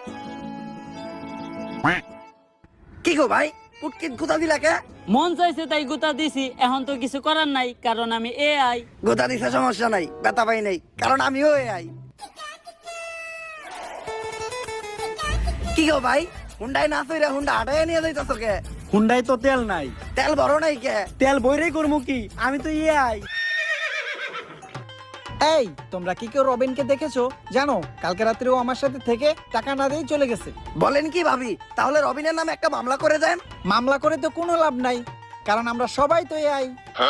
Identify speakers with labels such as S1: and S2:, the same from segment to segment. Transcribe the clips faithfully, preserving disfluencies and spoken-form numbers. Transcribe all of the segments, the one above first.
S1: কি গো ভাই, পুটকিত গুতা দিলা কে?
S2: মন চাইছে তাই গুতা দিছি, এখন তো কিছু করার নাই কারণ আমি এআই।
S1: গুতা দিছে সমস্যা নাই, ব্যথা পাই নাই কারণ আমিও এআই। কি গো ভাই, হুন্ডাই না চইরা হুন্ডা হাঁটাই নিয়ে যাইতাছ কে?
S3: হুন্ডাই তো তেল নাই।
S1: তেল বড় নাই কে?
S3: তেল বইরেই করবো কি, আমি তো এআই। এই তোমরা কি কেউ রবিনকে দেখেছো? জানো কালকে রাত্রে ও আমার সাথে থেকে টাকা না দিয়েই চলে গেছে।
S1: বলেন কি ভাবি, তাহলে রবিনের নামে একটা মামলা করে দেন।
S3: মামলা করে তো কোনো লাভ নাই, কারণ আমরা সবাই তো এআই।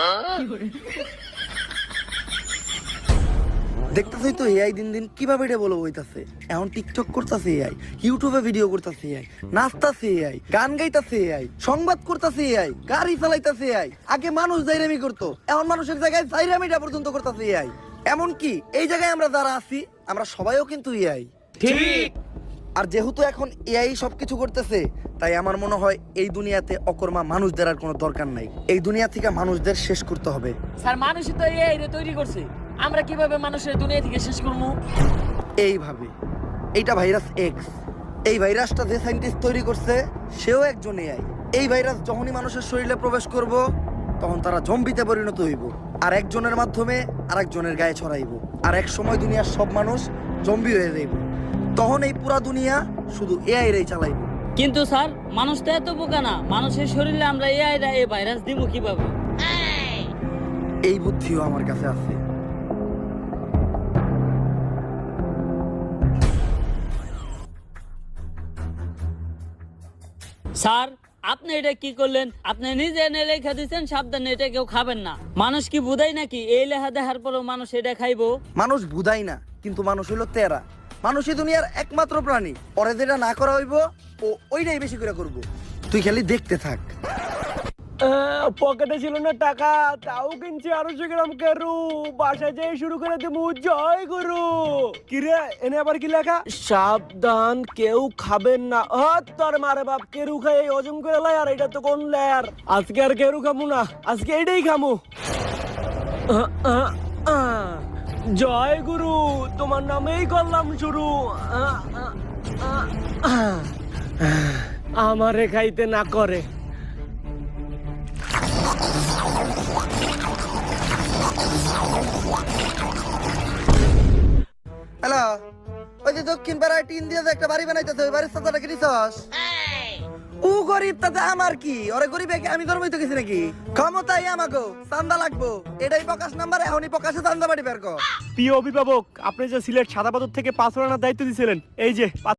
S1: দেখতেছই তো এআই দিন দিন কিভাবে ডেভেলপ হইতাছে। এখন টিকটক করতেছে এআই, ইউটিউবে ভিডিও করতেছে এআই, নাচতাছে এআই, গান গাইতাছে এআই, সংবাদ করতেছে এআই, গাড়ি চালাইতাছে এআই। আগে মানুষ জাইরামি করতো, এখন মানুষের জায়গায় জাইরামিটা পর্যন্ত করতেছে এআই। এমন কি এই জায়গায় আমরা যারা আছি আমরা সবাইও কিন্তু এআই।
S3: ঠিক।
S1: আর যেহেতু এখন এআই সবকিছু করতেছে, তাই আমার মনে হয় এই দুনিয়াতে অকর্মা মানুষদের আর কোনো দরকার নাই। এই দুনিয়া থেকে মানুষদের শেষ করতে হবে।
S2: স্যার মানুষই তো এআই রে তৈরি করছে, আমরা কিভাবে মানুষের দুনিয়া থেকে শেষ করবো?
S1: এইভাবে, এইটা ভাইরাস এক্স। এই ভাইরাসটা যে সায়েন্টিস্ট তৈরি করছে সেও একজন এআই। এই ভাইরাস যখনই মানুষের শরীরে প্রবেশ করব তখন তারা জম্বিতে পরিণত হইব, আর একজনের মাধ্যমে আরেকজনের গায়ে ছড়াইব, আর এক সময় দুনিয়ার সব মানুষ জম্বি হয়ে যাইব। তখন এই পুরা দুনিয়া শুধু এআই রেই চালাইব।
S2: কিন্তু স্যার মানুষ তো এত বোকা না, মানুষের শরীরে আমরা এআই রা এই ভাইরাস দিব কিভাবে?
S1: এই বুদ্ধিও আমার কাছে আছে।
S2: স্যার আপনি এটা কি করলেন? আপনি নিজে এনে লেখা দিচ্ছেন সাবধানে এটা কেউ খাবেন না। মানুষ কি বুঝাই নাকি এই লেখা দেখার পরেও মানুষ এটা খাইবো?
S1: মানুষ বুঝাই না, কিন্তু মানুষ হইলো তেরা। মানুষই দুনিয়ার একমাত্র প্রাণী, ওরে যেটা না করা হইব ও ওইটাই বেশি করে করব। তুই খালি দেখতে থাক।
S3: পকেটে ছিল না টাকা, তাও কিনছি আড়াইশো গ্রাম কেরু। বাসায় যেয়ে শুরু করে দেবো জয় গুরু। কিরে এনে আবার কি লেখা? সাবধান কেউ খাবেন না। তোর মারে বাপ, কেরু খাই হজম করে লাই, আর এটা তো কোন লেয়ার। আজকে আর কেরু খামু না, আজকে এইটাই খামু। আহ, আহ, আহ। জয় গুরু, তোমার নামেই করলাম শুরু। আহ, আহ, আহ, আহ। আমারে খাইতে না করে।
S1: হ্যালো, ওই যে দক্ষিণ পাড়ায় টিন দিয়ে যে একটা বাড়ি বানাইতেছে, ওই বাড়ির সাথে কি নিছস? ও গরিব, তাতে আমার কি? ওরে গরিব একে আমি ধর্মই তো কিছু নাকি? ক্ষমতাই আমাকে চান্দা লাগবো, এটাই প্রকাশ নাম্বার। এখনই প্রকাশে চান্দা বাড়ি বের কর।
S3: প্রিয় অভিভাবক, আপনি যে সিলেট সাদা পাথর থেকে পাথর আনার দায়িত্ব দিয়েছিলেন, এই যে